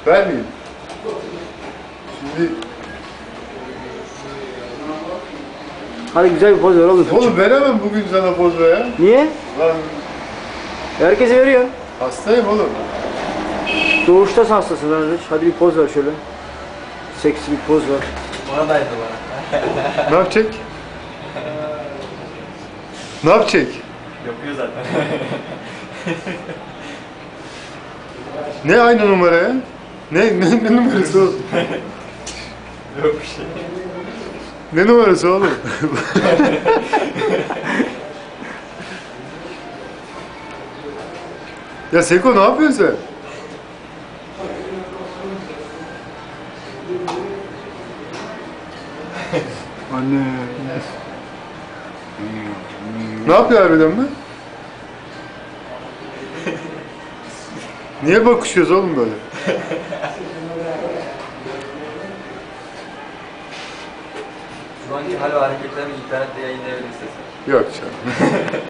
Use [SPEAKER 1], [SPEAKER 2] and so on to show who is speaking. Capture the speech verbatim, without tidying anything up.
[SPEAKER 1] Ben miyim? Şimdi...
[SPEAKER 2] Hadi güzel bir poz ver oğlum.
[SPEAKER 1] Oğlum veremem bugün sana poz ver ya.
[SPEAKER 2] Niye?
[SPEAKER 1] Lan
[SPEAKER 2] Herkese veriyor.
[SPEAKER 1] hastayım oğlum.
[SPEAKER 2] Doğuşta hastasın kardeş. Hadi bir poz ver şöyle. Seksi bir poz ver.
[SPEAKER 3] Oradaydı bana.
[SPEAKER 1] Ne yapacak? Ne yapacak?
[SPEAKER 3] Yapıyor zaten.
[SPEAKER 1] Ne aynı numara ya? Ne, ne, ne numarası oğlum?
[SPEAKER 3] Yok bir şey.
[SPEAKER 1] Ne numarası oğlum? Ya Seko ne yapıyorsun sen?
[SPEAKER 2] Anne.
[SPEAKER 1] Ne yapıyor harbiden mi? Niye bakışıyoruz oğlum böyle?
[SPEAKER 3] Şu anki hal ve hareketlerimi internette yayınlayabilirsiniz.
[SPEAKER 1] Yok canım.